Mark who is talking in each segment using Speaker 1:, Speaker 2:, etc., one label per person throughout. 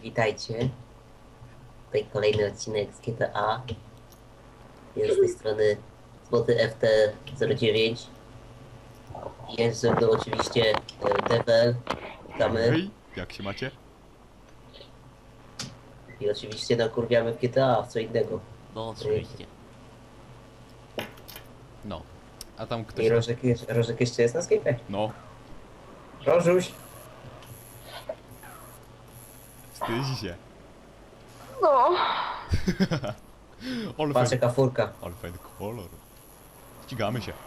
Speaker 1: Witajcie. Tutaj kolejny odcinek z GTA. Jest z tej strony Złoty FT09. Jest ze mną oczywiście Devel. Witamy.
Speaker 2: Hej, jak się macie?
Speaker 1: I oczywiście nakurwiamy w GTA, w co innego.
Speaker 3: No oczywiście.
Speaker 2: No. A tam ktoś...
Speaker 1: I Rożek jeszcze jest na Skype'ie.
Speaker 2: No.
Speaker 1: Rożuś.
Speaker 2: Wstydzi się.
Speaker 4: No.
Speaker 2: Ale
Speaker 1: Patrz
Speaker 2: fajny,
Speaker 1: jaka furka.
Speaker 2: ale fajny kolor. Ścigamy się.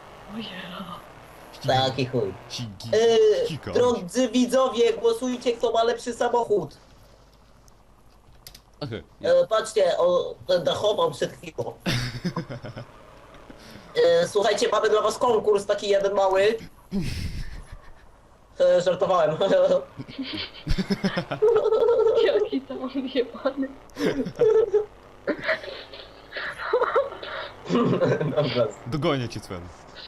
Speaker 1: Taki chuj.
Speaker 2: Ścigamy się.
Speaker 1: Drodzy widzowie, głosujcie kto ma lepszy samochód.
Speaker 2: Aha,
Speaker 1: Patrzcie, będę chował przed chwilą. Słuchajcie, mamy dla was konkurs taki jeden mały. Żartowałem.
Speaker 4: Jaki tam odjebany.
Speaker 1: Dobra.
Speaker 2: Dogonię cię, Sven.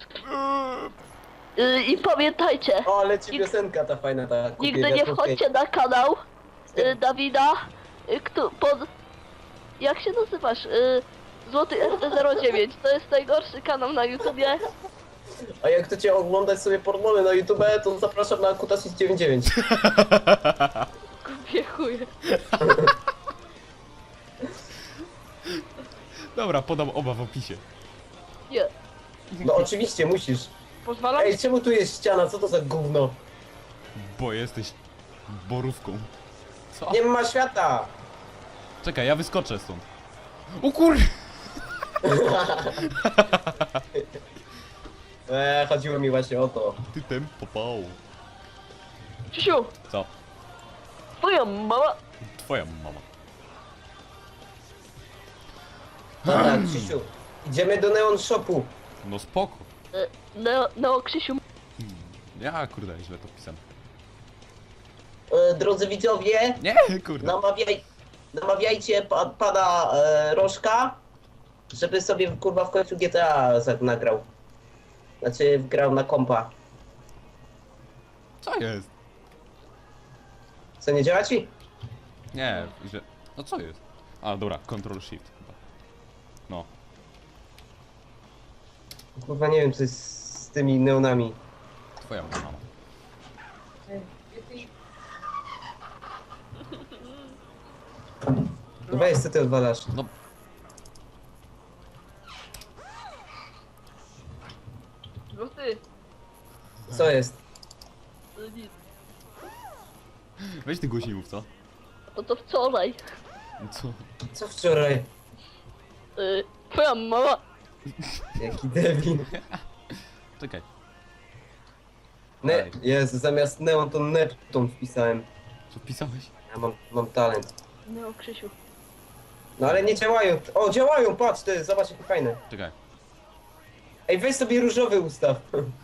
Speaker 4: I pamiętajcie,
Speaker 1: O, leci piosenka ta fajna, ta.
Speaker 4: nigdy nie wchodźcie na kanał Dawida, pod... Jak się nazywasz? Złoty FT09. To jest najgorszy kanał na YouTubie.
Speaker 1: A jak chcecie oglądać sobie pornole na YouTube, to zapraszam na Kutasis99.
Speaker 4: Kupię chuje.
Speaker 2: Dobra, podam oba w opisie.
Speaker 4: Nie.
Speaker 1: No oczywiście, musisz.
Speaker 4: Pozwalam?
Speaker 1: Ej, czemu tu jest ściana? Co to za gówno?
Speaker 2: Bo jesteś borówką. Co?
Speaker 1: Nie ma świata!
Speaker 2: Czekaj, ja wyskoczę stąd. O kur...
Speaker 1: Chodziło mi właśnie o to.
Speaker 2: Ty tem popał.
Speaker 4: Krzysiu,
Speaker 2: Co?
Speaker 4: twoja mama...
Speaker 2: Twoja mama.
Speaker 1: Dobra, Krzysiu, idziemy do Neon Shopu.
Speaker 2: No spoko.
Speaker 4: Neo Krzysiu.
Speaker 2: Ja kurde, źle to pisałem.
Speaker 1: Drodzy widzowie,
Speaker 2: Nie, kurde.
Speaker 1: namawiajcie pana Rożka, żeby sobie kurwa w końcu GTA nagrał. Znaczy grał na kompa.
Speaker 2: Co jest?
Speaker 1: Co, nie działa ci?
Speaker 2: Nie, źle. No co jest? A dobra, Ctrl Shift chyba. No.
Speaker 1: Kurwa nie wiem co jest z tymi neonami.
Speaker 2: Twoja mama.
Speaker 1: Weź co ty odwalasz.
Speaker 2: No.
Speaker 4: Złoty.
Speaker 1: Co jest?
Speaker 4: Nic.
Speaker 2: Weź ty głośniej mów, co?
Speaker 4: No to wczoraj.
Speaker 2: Co?
Speaker 1: Co wczoraj?
Speaker 4: Twoja mama...
Speaker 1: Jaki debil.
Speaker 2: Czekaj.
Speaker 1: Jezu, zamiast neon to Neptun wpisałem.
Speaker 2: Co pisałeś?
Speaker 1: Ja mam talent.
Speaker 4: Neo Krzysiu.
Speaker 1: No ale nie działają. O, działają, patrz ty, zobacz jakie fajne.
Speaker 2: Czekaj.
Speaker 1: Ej, weź sobie różowy ustaw.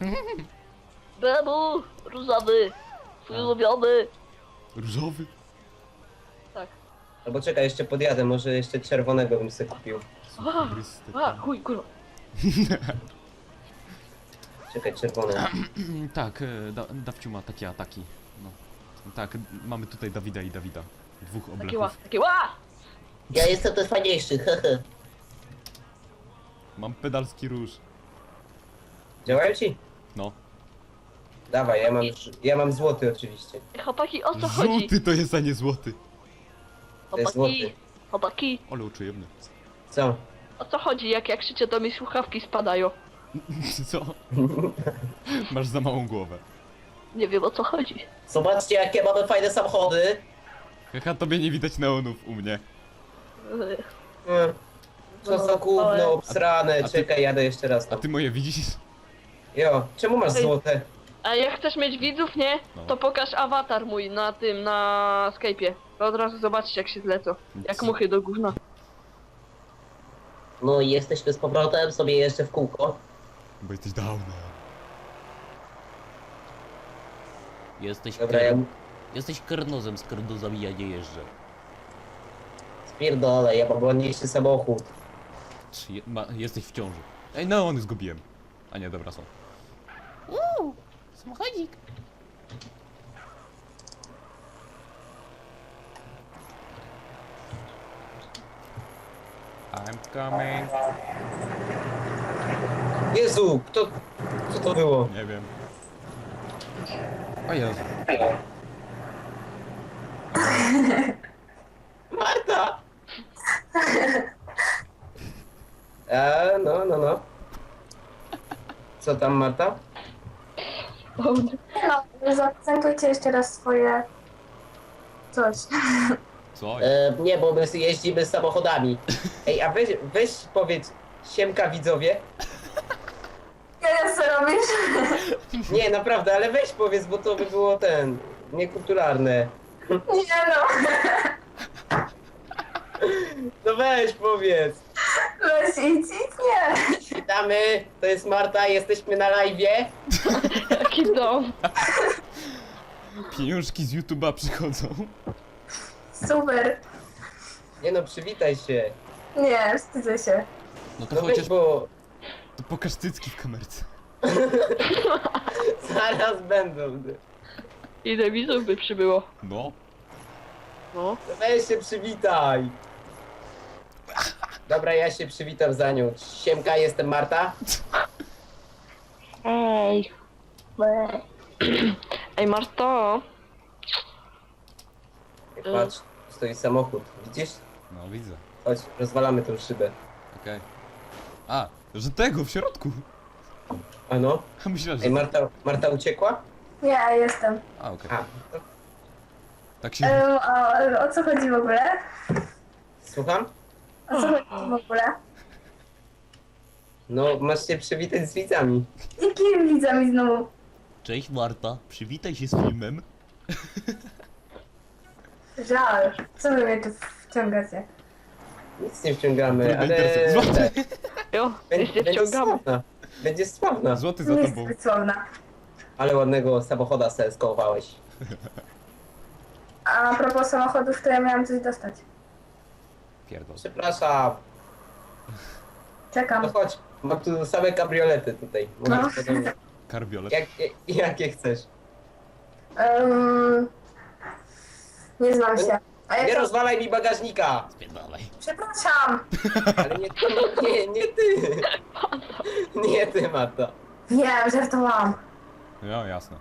Speaker 4: Bebu, różowy. Twój ulubiony.
Speaker 2: Różowy?
Speaker 4: Tak.
Speaker 1: Albo czekaj, jeszcze podjadę, może jeszcze czerwonego bym sobie kupił.
Speaker 4: Chuj, kurwa.
Speaker 1: Czekaj, czerwony.
Speaker 2: Tak, Dawciu ma takie ataki. No. Tak, mamy tutaj Dawida i Dawida. Dwóch
Speaker 4: Takie ła,
Speaker 2: obleków.
Speaker 4: takie ła!
Speaker 1: Ja jestem ten fajniejszy, hehe.
Speaker 2: Mam pedalski róż.
Speaker 1: Działają ci?
Speaker 2: No.
Speaker 1: Dawaj, ja mam złoty oczywiście.
Speaker 4: Chłopaki, o co chodzi?
Speaker 2: Żółty to jest, a nie złoty.
Speaker 1: To jest
Speaker 4: Chłopaki,
Speaker 1: złoty.
Speaker 4: chłopaki,
Speaker 2: Ale uczujemny.
Speaker 1: Co?
Speaker 4: o co chodzi? Jak krzyczę, to mi słuchawki spadają.
Speaker 2: Co? Masz za małą głowę.
Speaker 4: Nie wiem, o co chodzi.
Speaker 1: Zobaczcie jakie mamy fajne samochody.
Speaker 2: Haha, tobie nie widać neonów u mnie.
Speaker 1: Co za gówno obsrane.
Speaker 2: A ty-
Speaker 1: Czekaj, jadę jeszcze raz
Speaker 2: A
Speaker 1: tam.
Speaker 2: ty moje widzisz?
Speaker 1: Jo, czemu masz
Speaker 4: Ej.
Speaker 1: złote?
Speaker 4: A jak chcesz mieć widzów, nie?
Speaker 2: No.
Speaker 4: To pokaż awatar mój na tym, na Skype'ie. To od razu zobaczysz, jak się zlecą. Jak muchy do gówna.
Speaker 1: No i jesteśmy z powrotem, sobie jeszcze w kółko.
Speaker 2: Bo jesteś downer.
Speaker 3: Jesteś
Speaker 1: Dobra, ja
Speaker 3: Jesteś karnozem, z karnozami ja nie jeżdżę.
Speaker 1: spierdolę, ja mam ładniejszy samochód.
Speaker 2: Jesteś w ciąży. Ej, neony zgubiłem. A nie, dobra, są.
Speaker 3: Samochodzik.
Speaker 2: Coming.
Speaker 1: Jezu, co to było?
Speaker 2: Nie wiem. O Jezu.
Speaker 1: Marta! No. Co tam, Marta?
Speaker 4: O,
Speaker 5: No, zaprezentujcie jeszcze raz swoje coś.
Speaker 2: Co?
Speaker 1: Nie, bo my jeździmy samochodami. Ej, a weź powiedz, siemka widzowie.
Speaker 5: Ja co robisz?
Speaker 1: Nie, naprawdę, ale weź powiedz, bo to by było niekulturalne.
Speaker 5: Nie no,
Speaker 1: No weź powiedz.
Speaker 5: weź idź, nie.
Speaker 1: Witamy, to jest Marta, jesteśmy na live'ie.
Speaker 4: jaki dom.
Speaker 2: Pieniążki z YouTube'a przychodzą.
Speaker 5: Super.
Speaker 1: Nie no, przywitaj się.
Speaker 5: Nie, wstydzę się.
Speaker 2: No to
Speaker 1: No
Speaker 2: chociaż
Speaker 1: weź, bo
Speaker 2: to pokaż cycki w kamerce.
Speaker 1: zaraz będą.
Speaker 4: Ile widzów by przybyło?
Speaker 2: No.
Speaker 4: No.
Speaker 1: No weź się przywitaj. Dobra, ja się przywitam za nią. Siemka, jestem Marta.
Speaker 4: Ej. Ej, Marto.
Speaker 1: Patrz, stoi samochód. Widzisz?
Speaker 2: No widzę.
Speaker 1: Chodź, rozwalamy tą szybę.
Speaker 2: Okej. A, że tego w środku.
Speaker 1: A no?
Speaker 2: A myślałem, że...
Speaker 1: Ej, Marta uciekła?
Speaker 5: Nie, jestem.
Speaker 2: A, okej.
Speaker 1: A, to,
Speaker 2: Tak się...
Speaker 5: O co chodzi w ogóle?
Speaker 1: słucham?
Speaker 5: O co chodzi w ogóle?
Speaker 1: No, masz się przywitać z widzami.
Speaker 5: Jakimi widzami znowu?
Speaker 3: Cześć Marta, przywitaj się z filmem.
Speaker 5: Żal. Co wy mnie tu wciągacie?
Speaker 1: Nic nie wciągamy,
Speaker 2: Trudno
Speaker 1: ale...
Speaker 2: interesuje. Złoty!
Speaker 4: Jo, nic nie
Speaker 1: Będzie
Speaker 4: wciągamy.
Speaker 1: sławna. Będzie sławna.
Speaker 2: Złoty za
Speaker 5: Nie
Speaker 2: tobą.
Speaker 5: jest słowna.
Speaker 1: Ale ładnego samochoda se skołowałeś.
Speaker 5: A propos samochodów, to ja miałam coś dostać.
Speaker 2: Pierdol.
Speaker 1: Przepraszam.
Speaker 5: Czekam.
Speaker 1: No chodź, mam tu same kabriolety tutaj.
Speaker 5: No.
Speaker 1: Możesz podobnie.
Speaker 2: Karbiolet.
Speaker 1: Jakie chcesz?
Speaker 5: Nie znam się. A
Speaker 1: Nie
Speaker 5: ja to...
Speaker 1: rozwalaj mi bagażnika!
Speaker 3: Spierdalaj.
Speaker 5: Przepraszam.
Speaker 1: Ale nie ty! Nie ty, Marta.
Speaker 5: Wiem, żartowałam.
Speaker 2: No, jasne.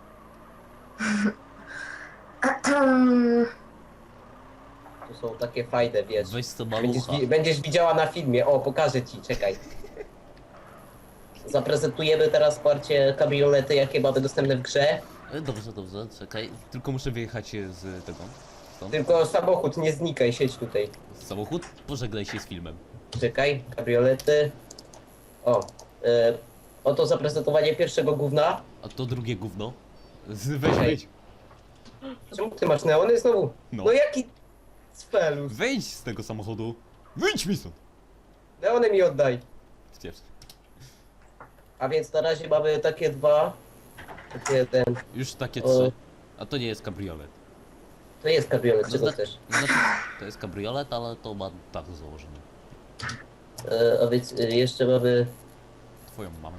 Speaker 1: Tu są takie fajne, wiesz.
Speaker 3: Weź co
Speaker 1: Będziesz,
Speaker 3: malucha.
Speaker 1: będziesz widziała na filmie. O, pokażę ci, czekaj. Zaprezentujemy teraz parcie kabriolety, jakie mamy dostępne w grze.
Speaker 3: Dobrze, czekaj.
Speaker 2: Tylko muszę wyjechać z tego. Stąd.
Speaker 1: Tylko samochód, nie znikaj, siedź tutaj.
Speaker 3: Samochód, pożegnaj się z filmem.
Speaker 1: Czekaj, kabriolety. O, oto zaprezentowanie pierwszego gówna.
Speaker 3: A to drugie gówno.
Speaker 2: Weź,
Speaker 1: Okej.
Speaker 2: wejdź.
Speaker 1: Czemu ty masz neony znowu?
Speaker 2: No.
Speaker 1: No jaki spelus?
Speaker 2: Wejdź z tego samochodu. Wyjdź mi stąd.
Speaker 1: Neony mi oddaj.
Speaker 2: Stwierdzę.
Speaker 1: A więc na razie mamy takie dwa. Takie
Speaker 2: Już takie
Speaker 1: O.
Speaker 2: 3. A to nie jest kabriolet.
Speaker 1: To jest kabriolet, czego
Speaker 3: Zna-
Speaker 1: chcesz?
Speaker 3: Znaczy, to jest kabriolet, ale to ma tak założone.
Speaker 1: A więc jeszcze mamy...
Speaker 2: Twoją mamę.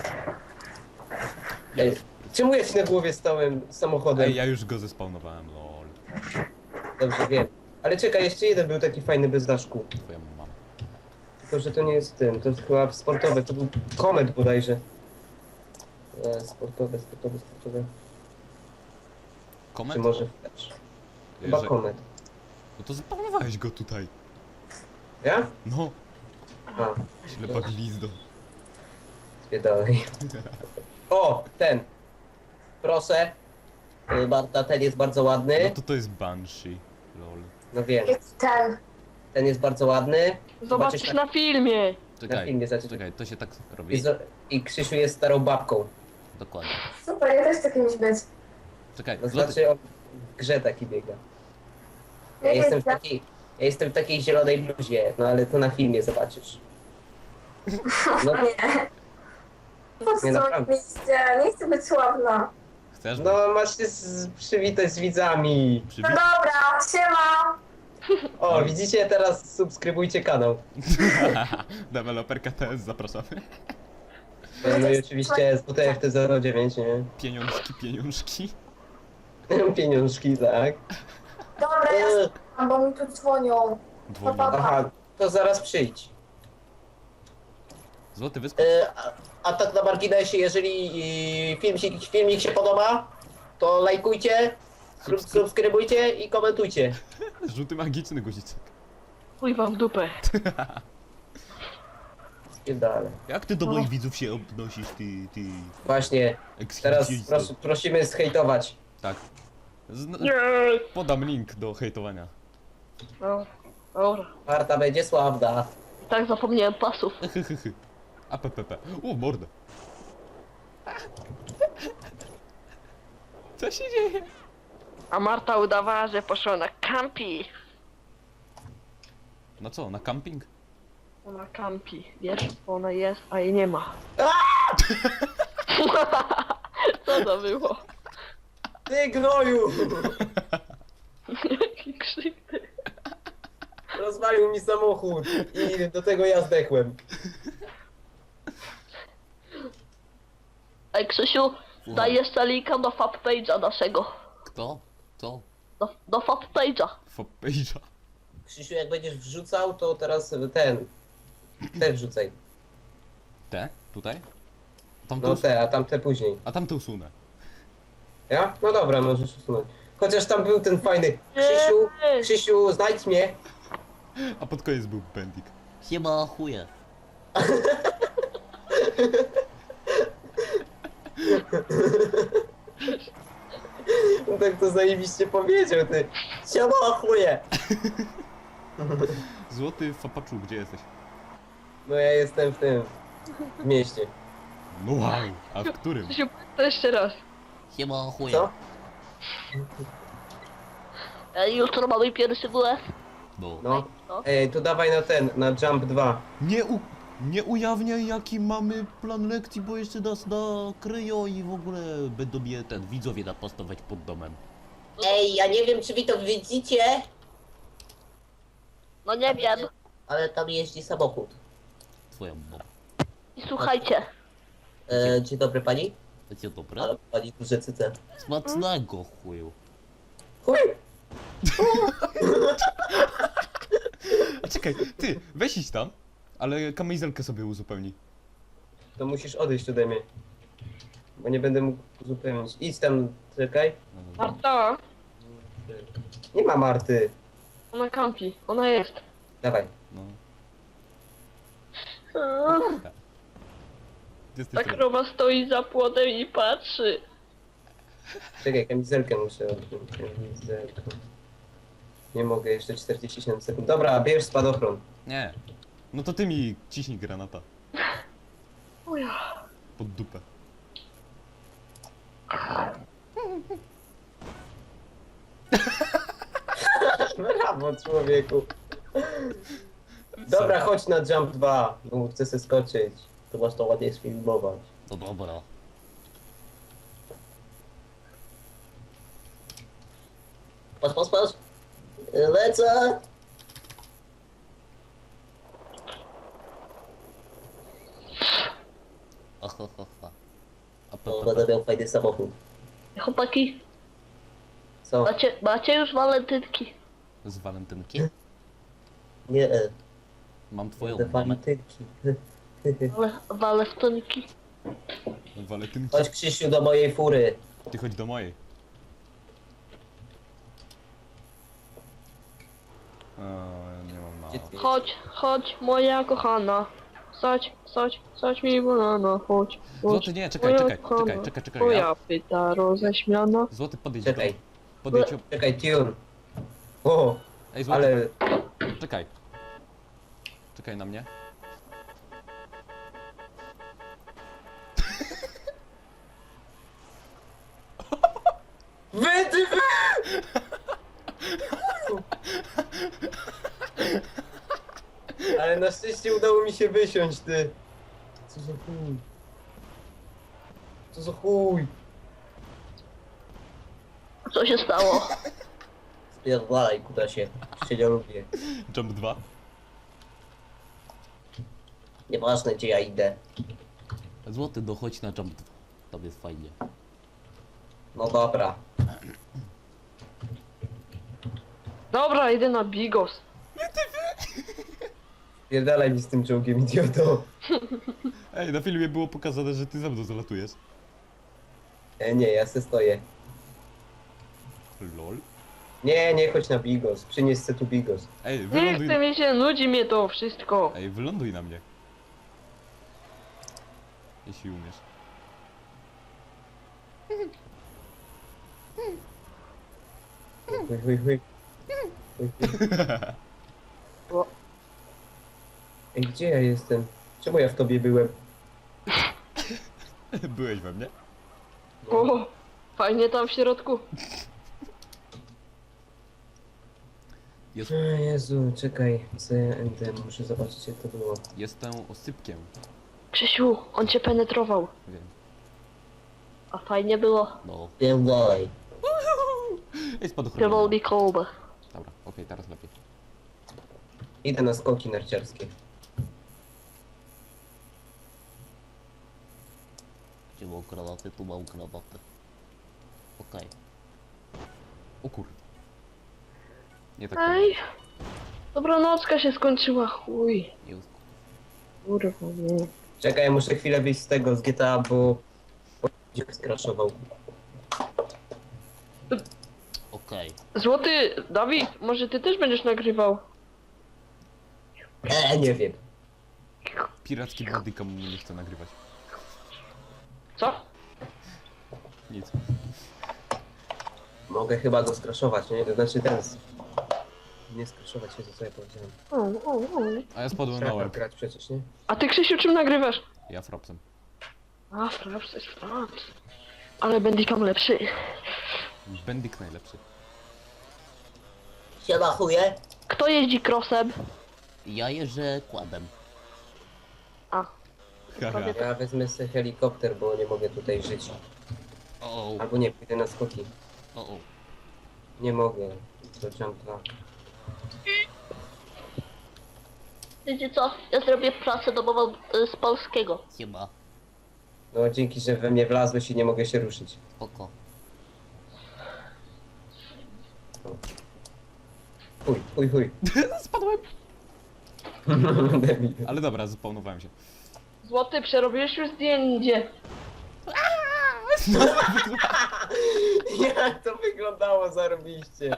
Speaker 1: Ej, czemu ja ci na głowie stałem samochodem?
Speaker 2: Ej, ja już go zespawnowałem, lol.
Speaker 1: Dobrze wiem. Ale czekaj, jeszcze jeden był taki fajny bez daszku.
Speaker 2: Twoją mamę.
Speaker 1: Tylko, że to nie jest tym, to jest chyba sportowe, to był Komet bodajże. Sportowe.
Speaker 2: Komet?
Speaker 1: Czy może Flash? Chyba
Speaker 2: Że-
Speaker 1: Komet.
Speaker 2: No to spawnowałeś go tutaj.
Speaker 1: Ja?
Speaker 2: No,
Speaker 1: A,
Speaker 2: ślepa glizdo.
Speaker 1: dwie dalej. O, ten. Proszę. Marta, ten jest bardzo ładny.
Speaker 2: No to jest Banshee, lol.
Speaker 1: No wiem,
Speaker 5: Jest ten.
Speaker 1: ten jest bardzo ładny.
Speaker 4: Zobaczysz na filmie.
Speaker 2: Czekaj,
Speaker 1: filmie zacznie-
Speaker 2: czekaj, to się tak
Speaker 1: I,
Speaker 2: robi.
Speaker 1: I Krzysiu jest starą babką.
Speaker 3: Dokładnie.
Speaker 5: Super, ja też chcę kimś być.
Speaker 2: Czekaj,
Speaker 1: To
Speaker 2: złoty.
Speaker 1: znaczy on w grze taki biega. Ja jestem w takiej zielonej bluzie, no ale to na filmie zobaczysz. No,
Speaker 5: Nie. Po co
Speaker 1: Nie, naprawdę.
Speaker 5: miejsce? Nie chcę być sławna.
Speaker 2: Chcesz?
Speaker 1: no masz się przywitać z widzami.
Speaker 5: No
Speaker 2: Przywit...
Speaker 5: dobra, siema.
Speaker 1: O, widzicie, teraz subskrybujcie kanał.
Speaker 2: Deweloper KTS, zapraszamy.
Speaker 1: No i oczywiście z WTFT09, nie?
Speaker 2: Pieniążki.
Speaker 1: Pieniążki, tak.
Speaker 5: Dobra, ja
Speaker 1: Eee,
Speaker 5: słucham, bo mi tu dzwonią.
Speaker 2: Dzwonią.
Speaker 5: Papa.
Speaker 1: Aha, to zaraz przyjdź.
Speaker 2: Złoty wyskocz.
Speaker 1: A tak na marginesie, jeżeli filmik się podoba, to lajkujcie, subskrybujcie i komentujcie.
Speaker 2: Żółty magiczny guziczek.
Speaker 4: Chuj wam w dupę.
Speaker 1: Dalej.
Speaker 3: Jak ty do moich widzów się odnosisz, ty
Speaker 1: Właśnie, teraz
Speaker 3: ekshibicjonisto?
Speaker 1: prosimy zhejtować.
Speaker 2: Tak. Podam link do hejtowania.
Speaker 4: Dobra.
Speaker 1: Marta będzie sławna.
Speaker 4: Tak zapomniałem pasów.
Speaker 2: APPP. O, mordę. Co się dzieje?
Speaker 4: A Marta udawała, że poszła na campi.
Speaker 2: Na co, na camping?
Speaker 4: Ona campi, wiesz, bo ona jest, a jej nie ma. Co to było?
Speaker 1: Ty gnoju!
Speaker 4: Jaki krzyk ty.
Speaker 1: Rozwalił mi samochód i do tego ja zdechłem.
Speaker 4: Ej Krzysiu, daj jeszcze linka do fanpage'a naszego.
Speaker 3: Kto? Co?
Speaker 4: Do fanpage'a.
Speaker 2: Foppage'a.
Speaker 1: Krzysiu, jak będziesz wrzucał, to teraz ten wrzucaj.
Speaker 2: Te? Tutaj? Tamte
Speaker 1: No te, a tamte później.
Speaker 2: A tamte usunę.
Speaker 1: Ja? No dobra, możesz usunąć. Chociaż tam był ten fajny Krzysiu, znajdź mnie.
Speaker 2: A pod koniec był Bendik.
Speaker 3: Siema chuje.
Speaker 1: No tak to zajebiście powiedział, ty. Siema, chuje.
Speaker 2: Złoty Fapaczu, gdzie jesteś?
Speaker 1: No ja jestem w mieście.
Speaker 2: No wow, a w którym?
Speaker 4: Krzysiu, to jeszcze raz.
Speaker 3: Siema chuje.
Speaker 1: Co?
Speaker 4: Ej, jutro mamy pierwszy WF.
Speaker 3: No.
Speaker 1: No.
Speaker 4: No.
Speaker 1: Ej, to dawaj na Jump 2.
Speaker 3: Nie ujawniaj jaki mamy plan lekcji, bo jeszcze nas nakryją i w ogóle będą mnie widzowie napastować pod domem.
Speaker 1: Ej, ja nie wiem, czy wy to widzicie,
Speaker 4: No nie wiem.
Speaker 1: ale tam jeździ samochód.
Speaker 3: Twoją mamą.
Speaker 4: I słuchajcie.
Speaker 1: Dzień dobry pani.
Speaker 3: Będzie dobre?
Speaker 1: Ale pani duże cyce.
Speaker 3: Smacznego chuju.
Speaker 1: Chuj!
Speaker 2: A czekaj, ty, weź idź tam, ale kamizelkę sobie uzupełnij.
Speaker 1: To musisz odejść ode mnie. Bo nie będę mógł uzupełnić. Idź tam, czekaj.
Speaker 4: Marta,
Speaker 1: Nie ma Marty.
Speaker 4: ona campi. Ona jest.
Speaker 1: Dawaj.
Speaker 2: No.
Speaker 4: Ta
Speaker 2: Jesteś tu.
Speaker 4: krowa stoi za płotem i patrzy.
Speaker 1: Czekaj, kamizelkę muszę odjąć. Kamizelkę. Nie mogę, jeszcze 47 sekund. Dobra, bierz spadochron.
Speaker 2: Nie. No to ty mi ciśnij granata.
Speaker 4: O ja.
Speaker 2: Pod dupę.
Speaker 1: Brawo, człowieku. Dobra, chodź na Jump 2, bo chcę sobie skoczyć. To masz to ładnie sfilmować.
Speaker 3: No dobra.
Speaker 1: Patrz. Lecę.
Speaker 3: Ahahaha.
Speaker 1: O, będę miał fajny samochód.
Speaker 4: Chłopaki,
Speaker 1: Co?
Speaker 4: macie już walentynki.
Speaker 2: Z walentynki.
Speaker 1: Nie,
Speaker 3: Mam twoją
Speaker 1: te
Speaker 3: mamę.
Speaker 1: walentynki.
Speaker 4: Walentynki.
Speaker 2: Walentynki.
Speaker 1: Chodź Krzysiu do mojej fury.
Speaker 2: Ty chodź do mojej. Nie mam na...
Speaker 1: Gdzie ty
Speaker 4: Chodź, moja kochana. Sadź mi banana, chodź.
Speaker 2: Złoty, nie, czekaj.
Speaker 4: Twoja pyta roześmiana.
Speaker 2: Złoty, podejdź
Speaker 1: Czekaj.
Speaker 2: do... Podejdź...
Speaker 1: Czekaj, tune. O,
Speaker 2: Ej, złoty,
Speaker 1: ale...
Speaker 2: czekaj. Czekaj na mnie.
Speaker 1: Wy! Ale na szczęście udało mi się wysiąść, ty. Co za chuj. Co za chuj.
Speaker 4: Co się stało?
Speaker 1: Spierdalaj, kutasie. Się nie lubię.
Speaker 2: Jump 2.
Speaker 1: Nieważne, gdzie ja idę.
Speaker 3: Złoty, dochodź na jump 2. Tam jest fajnie.
Speaker 1: No dobra.
Speaker 4: Dobra, idę na Bigos.
Speaker 1: Pierdalaj mi z tym czołgiem, idioto.
Speaker 2: Ej, na filmie było pokazane, że ty ze mną zalatujesz.
Speaker 1: Nie, ja se stoję.
Speaker 2: Lol.
Speaker 1: Nie, chodź na Bigos. Przynieś se tu Bigos.
Speaker 2: Ej,
Speaker 4: Nie
Speaker 2: wyląduj...
Speaker 4: chcę mi się, nudzi mnie to wszystko.
Speaker 2: Ej, wyląduj na mnie. Jeśli umiesz.
Speaker 1: Chuj, chuj, chuj. Chuj, chuj. Ej, gdzie ja jestem? Czemu ja w tobie byłem?
Speaker 2: Byłeś we mnie?
Speaker 4: O, fajnie tam w środku.
Speaker 2: Jest,
Speaker 1: O Jezu, czekaj. CND, muszę zobaczyć jak to było.
Speaker 2: jestem osypkiem.
Speaker 4: Krzysiu, on cię penetrował.
Speaker 2: Wiem.
Speaker 4: A fajnie było.
Speaker 3: No,
Speaker 1: Pierdolej.
Speaker 2: Ej, spadochron.
Speaker 4: Pierdol mi kolbę.
Speaker 2: Dobra, okej, teraz lepiej.
Speaker 1: Idę na skoki narciarskie.
Speaker 3: gdzie mam granaty, tu mam granaty. Okej.
Speaker 2: O kur... Nie tak.
Speaker 4: Ej. Dobranocka się skończyła, chuj.
Speaker 3: Już.
Speaker 4: Kurwa, nie.
Speaker 1: Czekaj, muszę chwilę wyjść z tego, z GTA, bo... skraszował.
Speaker 3: Okej.
Speaker 4: Złoty, Dawid, może ty też będziesz nagrywał?
Speaker 1: Nie wiem.
Speaker 2: Piracki bodycam mu nie chce nagrywać.
Speaker 4: Co?
Speaker 2: Nic.
Speaker 1: Mogę chyba go skraszować, nie? To znaczy teraz. Nie skraszować się, to co ja powiedziałem.
Speaker 2: A ja spadłem na
Speaker 1: Trzeba
Speaker 2: łeb.
Speaker 1: grać przecież, nie?
Speaker 4: A ty, Krzysiu, czym nagrywasz?
Speaker 2: Ja frapsem.
Speaker 4: A, fraps jest fraps. Ale Bandicam lepszy.
Speaker 2: Bendik najlepszy.
Speaker 1: Siema chuje.
Speaker 4: Kto jeździ crossem?
Speaker 3: Ja jeżdżę kładem.
Speaker 4: A,
Speaker 2: Haha.
Speaker 1: Ja wezmę sobie helikopter, bo nie mogę tutaj żyć.
Speaker 3: O,
Speaker 1: Albo nie, pójdę na skoki.
Speaker 3: o.
Speaker 1: Nie mogę. To jumpa.
Speaker 4: wiecie co? Ja zrobię pracę domową z polskiego.
Speaker 3: Siema.
Speaker 1: No dzięki, że we mnie wlazłeś i nie mogę się ruszyć.
Speaker 3: Spoko.
Speaker 1: Chuj.
Speaker 2: Spadłem!
Speaker 1: Debil.
Speaker 2: Ale dobra, zapawnowałem się.
Speaker 4: Złoty, przerobiłeś już zdjęcie.
Speaker 1: Jak to wyglądało zarobiście.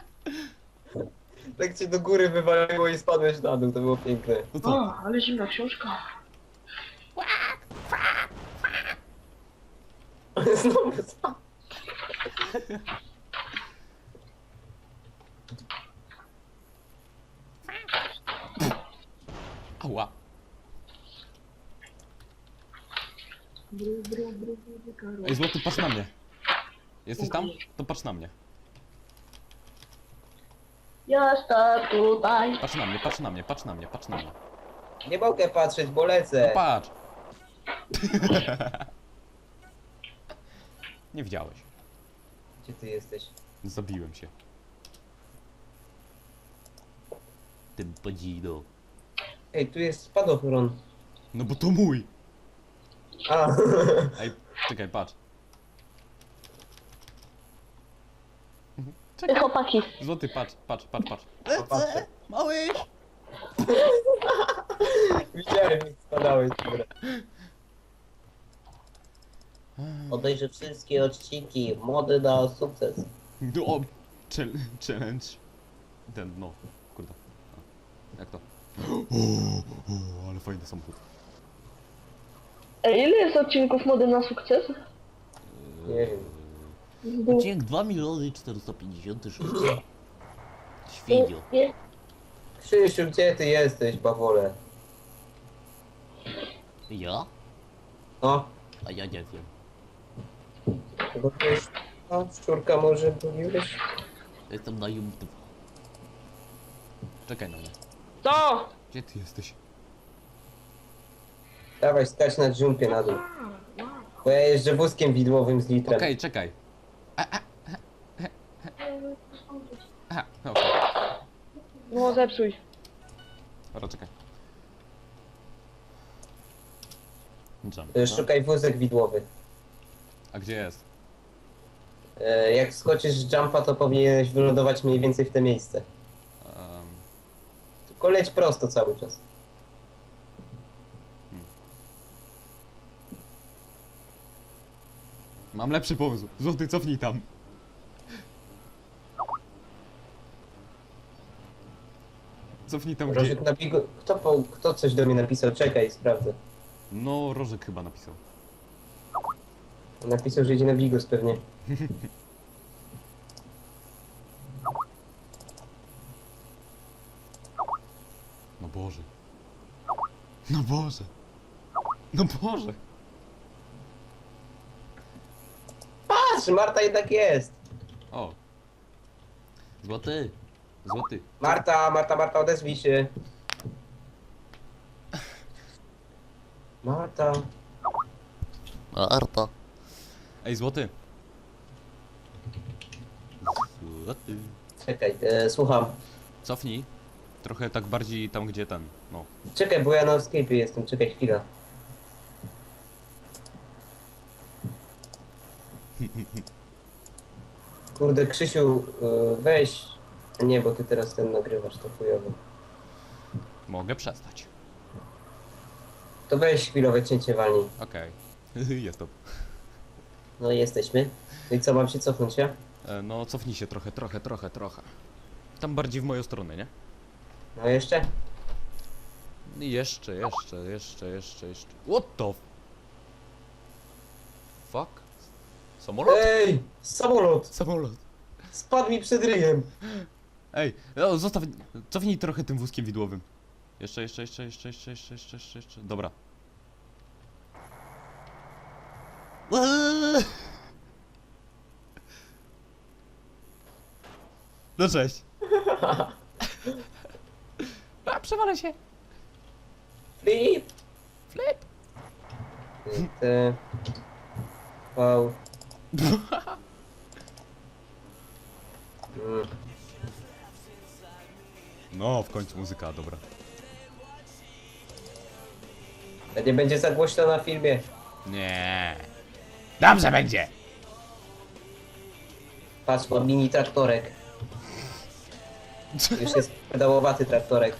Speaker 1: Tak cię do góry wywaliło i spadłeś na dół, to było piękne.
Speaker 2: No co?
Speaker 4: O, ale zimna książka.
Speaker 1: Znowu spadł.
Speaker 2: Ała. Ej, złoty, patrz na mnie. Jesteś tam? To patrz na mnie.
Speaker 4: Jestem tutaj.
Speaker 2: Patrz na mnie, patrz na mnie, patrz na mnie, patrz na mnie.
Speaker 1: Nie mogę patrzeć, bo
Speaker 2: No
Speaker 1: lecę.
Speaker 2: patrz! Nie widziałeś.
Speaker 1: Gdzie ty jesteś?
Speaker 2: Zabiłem się.
Speaker 3: Tym podzino.
Speaker 1: Ej, tu jest spadochron.
Speaker 2: No bo to mój!
Speaker 1: A,
Speaker 2: Ej, czekaj, patrz.
Speaker 4: Ej, chłopaki.
Speaker 2: Złoty, patrz.
Speaker 1: popatrzę.
Speaker 3: Mały!
Speaker 1: Widziałem, jak spadałeś. Dobra. Obejrzę wszystkie odcinki. Mody na sukces.
Speaker 2: No, o, challenge. Ten, no, kurde. A, jak to? O, ale fajny samochód.
Speaker 4: Ej, ile jest odcinków mody na sukces?
Speaker 1: Nie wiem.
Speaker 3: Odcinek 2 456 000. Świnio.
Speaker 4: Nie.
Speaker 1: Krzysiu, gdzie ty jesteś, bawole?
Speaker 3: Ja?
Speaker 1: No,
Speaker 3: A ja nie wiem.
Speaker 1: bo to jest... A, szczurka może mówiłeś?
Speaker 3: Jestem na Jum 2.
Speaker 2: Czekaj na mnie.
Speaker 4: Co?
Speaker 2: Gdzie ty jesteś?
Speaker 1: Dawaj, skacz na jumpie na dół. Bo ja jeżdżę wózkiem widłowym z litrem.
Speaker 2: Okej, czekaj. Aha, no okej.
Speaker 4: No, zepsuj.
Speaker 2: Dobra, czekaj. Jump.
Speaker 1: Szukaj wózek widłowy.
Speaker 2: A gdzie jest?
Speaker 1: Jak skoczysz z jumpa, to powinieneś wylądować mniej więcej w te miejsce.
Speaker 2: Um,
Speaker 1: Tylko leć prosto cały czas.
Speaker 2: Mam lepszy pomysł. Złoty, cofnij tam. Cofnij tam gdzie...
Speaker 1: Rożek na biegu... Kto coś do mnie napisał? Czekaj, sprawdzę.
Speaker 2: No, Rożek chyba napisał.
Speaker 1: Napisał, że idzie na bigos pewnie.
Speaker 2: No Boże. No Boże. No Boże.
Speaker 1: Patrz, Marta jednak jest.
Speaker 2: O. Złoty. Złoty.
Speaker 1: Marta, odezwij się. Marta.
Speaker 3: Arta.
Speaker 2: Ej, złoty. Złoty.
Speaker 1: Czekaj, słucham.
Speaker 2: Cofnij. Trochę tak bardziej tam, gdzie ten. No.
Speaker 1: Czekaj, bo ja na escape jestem, czekaj chwila. Kurde, Krzysiu, weź. Nie, bo ty teraz ten nagrywasz, to chujowo.
Speaker 2: Mogę przestać.
Speaker 1: To weź chwilowe cięcie walnij.
Speaker 2: Okej. Jest to.
Speaker 1: No i jesteśmy. No i co, mam się cofnąć, ja?
Speaker 2: No, cofnij się trochę. Tam bardziej w moją stronę, nie?
Speaker 1: No jeszcze?
Speaker 2: Jeszcze. What the fuck? Samolot?
Speaker 1: Ej! Samolot!
Speaker 2: Samolot.
Speaker 1: Spadł mi przed ryjem!
Speaker 2: Ej, no, zostaw. Cofnij trochę tym wózkiem widłowym. Jeszcze. Dobra. No cześć. A, przewalę się.
Speaker 1: Flip!
Speaker 2: Flip.
Speaker 1: T... V...
Speaker 2: No, w końcu muzyka, dobra.
Speaker 1: To nie będzie za głośno na filmie.
Speaker 2: Nie. Dobrze będzie.
Speaker 1: Patrz, mam mini traktorek. Już jest pedałowaty traktorek.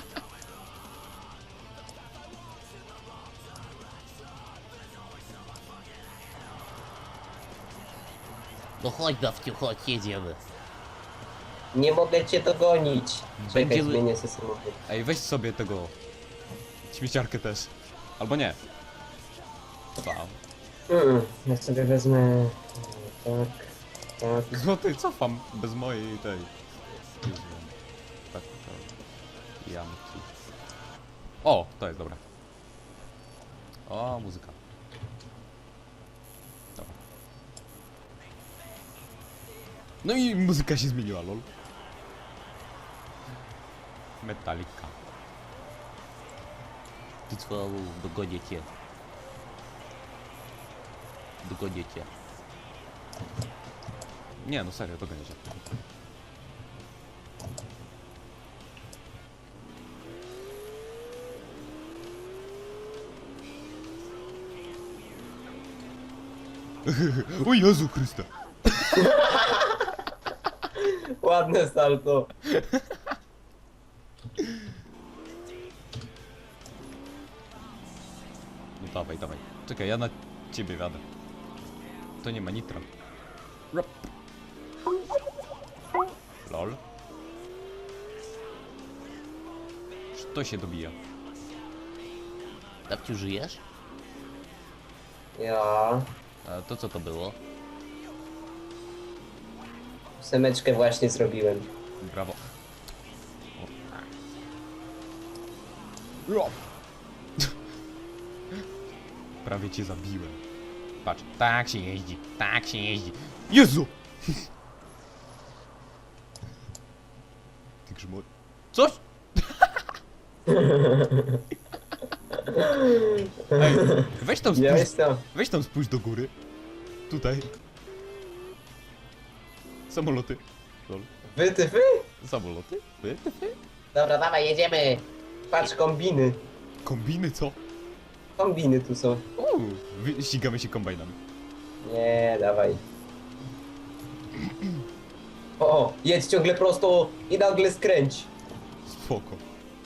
Speaker 3: No chodź, Dawciu, chodź, jedziemy.
Speaker 1: Nie mogę cię dogonić. Czekaj,
Speaker 3: Będziemy-
Speaker 1: zmienię sobie samochód.
Speaker 2: Ej, weź sobie tego... śmieciarkę też. Albo nie. Wow.
Speaker 1: Ja sobie wezmę... Tak.
Speaker 2: Złoty, cofam. Bez mojej tej... Tak, jamki. O, to jest dobra. O, muzyka. Dobra. No i muzyka się zmieniła, lol. Metallica.
Speaker 3: Ty cwalu, dogonię cię. Dogonię cię.
Speaker 2: Nie, no serio, to będzie. O Jezu Chryste!
Speaker 1: Ładne salto.
Speaker 2: No dawaj, dawaj. Czekaj, ja na ciebie wiadę. To nie ma nitra. Rap. Lol. To się dobija.
Speaker 3: Dawciu, żyjesz?
Speaker 1: Ja...
Speaker 3: A to co to było?
Speaker 1: Semeczkę właśnie zrobiłem.
Speaker 2: Brawo. O. Prawie cię zabiłem. Patrz, tak się jeździ, tak się jeździ. Jezu! Ty grzmo... Coś? Ej, weź tam
Speaker 1: Ja
Speaker 2: spójrz,
Speaker 1: jestem.
Speaker 2: weź tam spójrz do góry. Tutaj. Samoloty. Lol.
Speaker 1: Wytyfy?
Speaker 2: Samoloty? Wy?
Speaker 1: Dobra, dawaj, jedziemy. Patrz, kombiny.
Speaker 2: Kombiny co?
Speaker 1: Kombiny tu są.
Speaker 2: Ścigamy się kombajnami.
Speaker 1: Nie, dawaj. O, jedź ciągle prosto i nagle skręć.
Speaker 2: Spoko.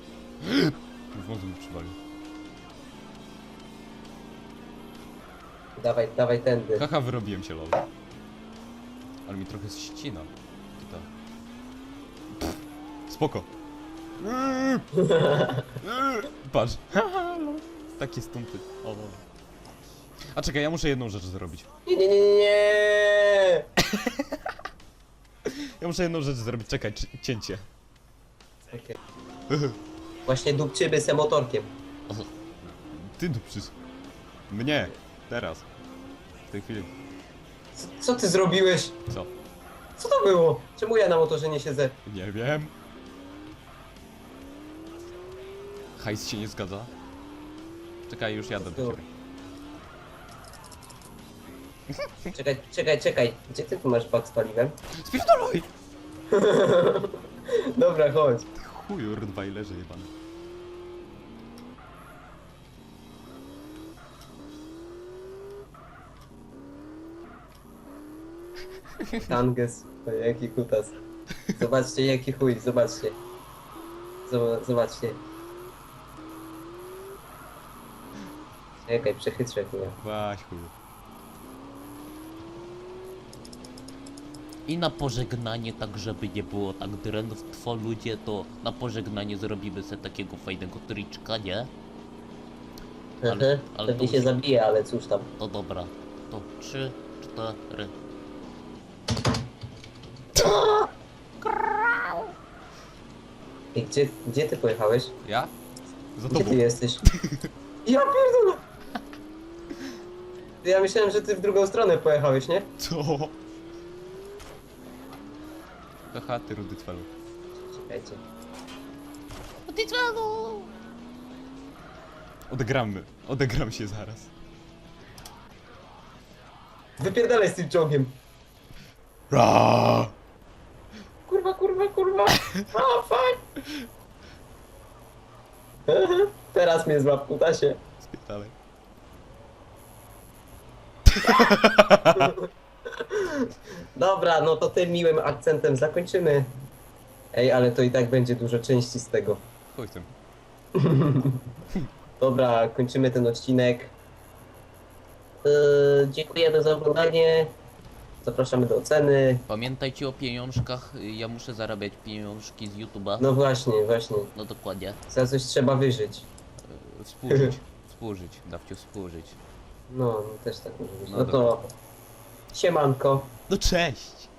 Speaker 2: W mózgu mi przywalił.
Speaker 1: Dawaj, dawaj tędy.
Speaker 2: Haha, wyrobiłem się, lol. Ale mi trochę ścina. Tutaj. Pff, spoko. Patrz. Takie stumpy. O. A czekaj, ja muszę jedną rzecz zrobić.
Speaker 1: Nie, nie, nie, nie.
Speaker 2: Ja muszę jedną rzecz zrobić, czekaj, cięcie.
Speaker 1: Okej. Właśnie dupczymy se motorkiem.
Speaker 2: Ty dupczysz. Mnie. Teraz. W tej chwili.
Speaker 1: Co ty zrobiłeś?
Speaker 2: Co?
Speaker 1: Co to było? Czemu ja na motorze nie siedzę?
Speaker 2: Nie wiem. Hajs się nie zgadza. Czekaj, już jadę do ciebie.
Speaker 1: Czekaj, czekaj, czekaj. Gdzie ty tu masz bak z paliwem?
Speaker 2: Spierdolaj!
Speaker 1: Dobra, chodź.
Speaker 2: Chuju, Rottweilerze jebany.
Speaker 1: Tanges. O, jaki kutas. Zobaczcie, jaki chuj, zobaczcie. Zobaczcie. Czekaj, przechytrzę chuja.
Speaker 2: Waś chuju.
Speaker 3: I na pożegnanie, tak żeby nie było tak drętwo ludzie, to na pożegnanie zrobimy sobie takiego fajnego triczka, nie? ale
Speaker 1: Pewnie
Speaker 3: to
Speaker 1: się
Speaker 3: już-
Speaker 1: zabije, ale cóż tam.
Speaker 3: To dobra. To 3, 4.
Speaker 1: I gdzie ty pojechałeś?
Speaker 2: Ja? Za
Speaker 1: Gdzie
Speaker 2: tobą.
Speaker 1: ty jesteś? Ja pierdolę! Ja myślałem, że ty w drugą stronę pojechałeś, nie?
Speaker 2: Co? Haha, ty rudy twelu.
Speaker 1: Czekajcie.
Speaker 2: Odegram się zaraz.
Speaker 1: Wypierdalaj z tym czołgiem.
Speaker 2: Ra!
Speaker 1: Kurwa, kurwa, kurwa. A, fuck. Teraz mnie złap, kutasie.
Speaker 2: Spierdalaj.
Speaker 1: Dobra, no to tym miłym akcentem zakończymy. Ej, ale to i tak będzie dużo części z tego.
Speaker 2: Chuj z tym.
Speaker 1: Dobra, kończymy ten odcinek. Dziękujemy za oglądanie. Zapraszamy do oceny.
Speaker 3: Pamiętajcie o pieniążkach, ja muszę zarabiać pieniążki z YouTube'a.
Speaker 1: No właśnie, właśnie.
Speaker 3: No dokładnie.
Speaker 1: Za coś trzeba wyżyć.
Speaker 3: Współżyć. Współżyć. Dawcie współżyć.
Speaker 1: No, też tak może być.
Speaker 2: No
Speaker 1: No to siemanko.
Speaker 2: No cześć!